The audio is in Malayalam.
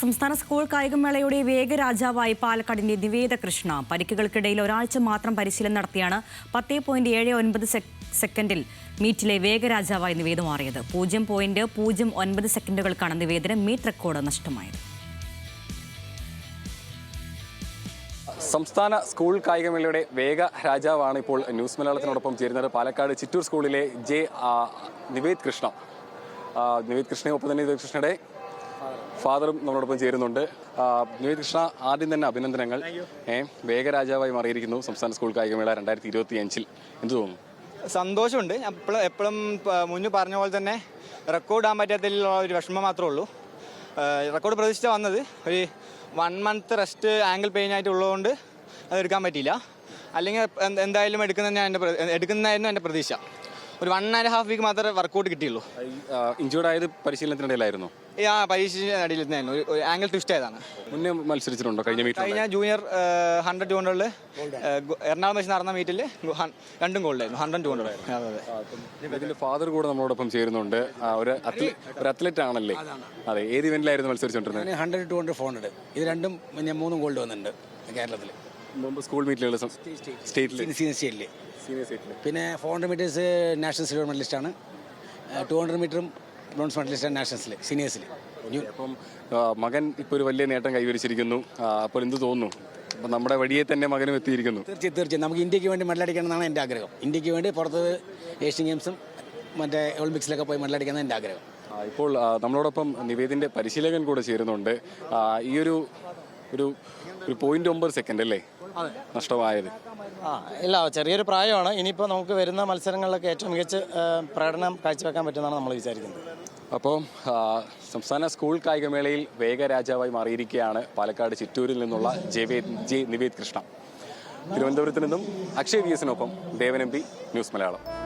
സംസ്ഥാന സ്കൂൾ കായികമേളയുടെ വേഗരാജാവായി പാലക്കാടിന്റെ നിവേദ കൃഷ്ണ പരിക്കുകൾക്കിടയിൽ ഒരാഴ്ച മാത്രം പരിശീലനം നടത്തിയാണ് 10.79 സെക്കൻഡിൽ മീറ്റിലെ വേഗരാജാവായി നിവേദ മാറിയത്. 0.09 സെക്കൻഡുകൾക്കാണ് നിവേദന മീറ്റ് റെക്കോർഡ് നഷ്ടമായത്. സംസ്ഥാന സ്കൂൾ കായികമേളയുടെ വേഗ രാജാവാണ് ഇപ്പോൾ ന്യൂസ് മലയാളത്തിനോടൊപ്പം ചേരുന്നത്. പാലക്കാട് ചിറ്റൂർ സ്കൂളിലെ നിവേദ് കൃഷ്ണ. നിവേദ് കൃഷ്ണയൊപ്പം തന്നെ നിവേദ് കൃഷ്ണയുടെ ഫാദറും നമ്മളോടൊപ്പം ചേരുന്നുണ്ട്. നിവേദ് കൃഷ്ണ, ആദ്യം തന്നെ അഭിനന്ദനങ്ങൾ. വേഗരാജാവായി മാറിയിരിക്കുന്നു സംസ്ഥാന സ്കൂൾ കായികമേള 2025. എന്ത് തോന്നുന്നു? സന്തോഷമുണ്ട്. എപ്പോഴും മുന്നേ പറഞ്ഞ പോലെ തന്നെ റെക്കോർഡ് ഇടാൻ പറ്റാത്തതിലുള്ള ഒരു വിഷമം മാത്രമേ ഉള്ളൂ. റെക്കോർഡ് പ്രതീക്ഷിച്ച വന്നത് ഒരു 1 മന്ത് റെസ്റ്റ് ആംഗിൾ പെയിൻ ആയിട്ടുള്ളതുകൊണ്ട് അത് എടുക്കാൻ പറ്റിയില്ല. അല്ലെങ്കിൽ എന്തായാലും എടുക്കുന്നതായിരുന്നു എൻ്റെ പ്രതീക്ഷ. ഒരു 1.5 വീക്ക് മാത്രമേ വർക്കൗട്ട് കിട്ടിയുള്ളൂ. ഇഞ്ചുർഡ് ആയത് പരിശീലനത്തിനിടയിലായിരുന്നു. പരീക്ഷയുടെ ഇടയിലായിരുന്നു. ഒരു ആംഗിൾ ട്വിസ്റ്റ് ആയതാണ്. മുന്നേ മത്സരിച്ചിട്ടുണ്ടോ? കഴിഞ്ഞ ജൂനിയർ 100 200 എറണാകുളം വെച്ച് നടന്ന മീറ്റിൽ 2 ഗോൾഡായിരുന്നു. 100 200. ഇതിന്റെ ഫാദർ കൂടെ നമ്മളോടൊപ്പം ചേരുന്നുണ്ട്. ഒരു അത്ലറ്റ് ആണല്ലേ? അതെ. ഏത് ഇവന്റിലായിരുന്നു മത്സരിച്ചുകൊണ്ടിരുന്നത്? 100 200 400 ഇത് രണ്ടും 3 ഗോൾഡ് വന്നിട്ടുണ്ട് കേരളത്തിൽ. മുമ്പ് സ്കൂൾ മീറ്റുകൾ സ്റ്റേറ്റിൽ. പിന്നെ 400 മീറ്റേഴ്സ് നാഷണൽ സിൽവർ മെഡലിസ്റ്റാണ്. 200 മീറ്ററും ബ്രോൺസ് മെഡലിസ്റ്റാണ് നാഷണൽസിൽ, സീനിയേഴ്സിൽ. അപ്പം മകൻ ഇപ്പോൾ ഒരു വലിയ നേട്ടം കൈവരിച്ചിരിക്കുന്നു. അപ്പോൾ എന്ത് തോന്നുന്നു? അപ്പം നമ്മുടെ വഴിയെ തന്നെ മകനും എത്തിയിരിക്കുന്നു. തീർച്ചയായും നമുക്ക് ഇന്ത്യക്ക് വേണ്ടി മെഡലടിക്കണം എന്നാണ് എൻ്റെ ആഗ്രഹം. ഇന്ത്യക്ക് വേണ്ടി പുറത്ത് ഏഷ്യൻ ഗെയിംസും മറ്റേ ഒളിമ്പിക്സിലൊക്കെ പോയി മെഡലടിക്കണം എൻ്റെ ആഗ്രഹം. ഇപ്പോൾ നമ്മളോടൊപ്പം നിവേദിൻ്റെ പരിശീലകൻ കൂടെ ചേരുന്നുണ്ട്. ഈ ഒരു 0.9 സെക്കൻഡ് അല്ലേ നഷ്ടമായത്? ഇല്ല, ചെറിയൊരു പ്രായമാണ്. ഇനിയിപ്പോൾ നമുക്ക് വരുന്ന മത്സരങ്ങളിലൊക്കെ ഏറ്റവും മികച്ച പ്രകടനം കാഴ്ചവെക്കാൻ പറ്റുമെന്നാണ് നമ്മൾ വിചാരിക്കുന്നത്. അപ്പോൾ സംസ്ഥാന സ്കൂൾ കായികമേളയിൽ വേഗരാജാവായി മാറിയിരിക്കുകയാണ് പാലക്കാട് ചിറ്റൂരിൽ നിന്നുള്ള നിവേദ് കൃഷ്ണ. തിരുവനന്തപുരത്ത് നിന്നും അക്ഷയ് VS-നൊപ്പം ദേവൻ MP, ന്യൂസ് മലയാളം.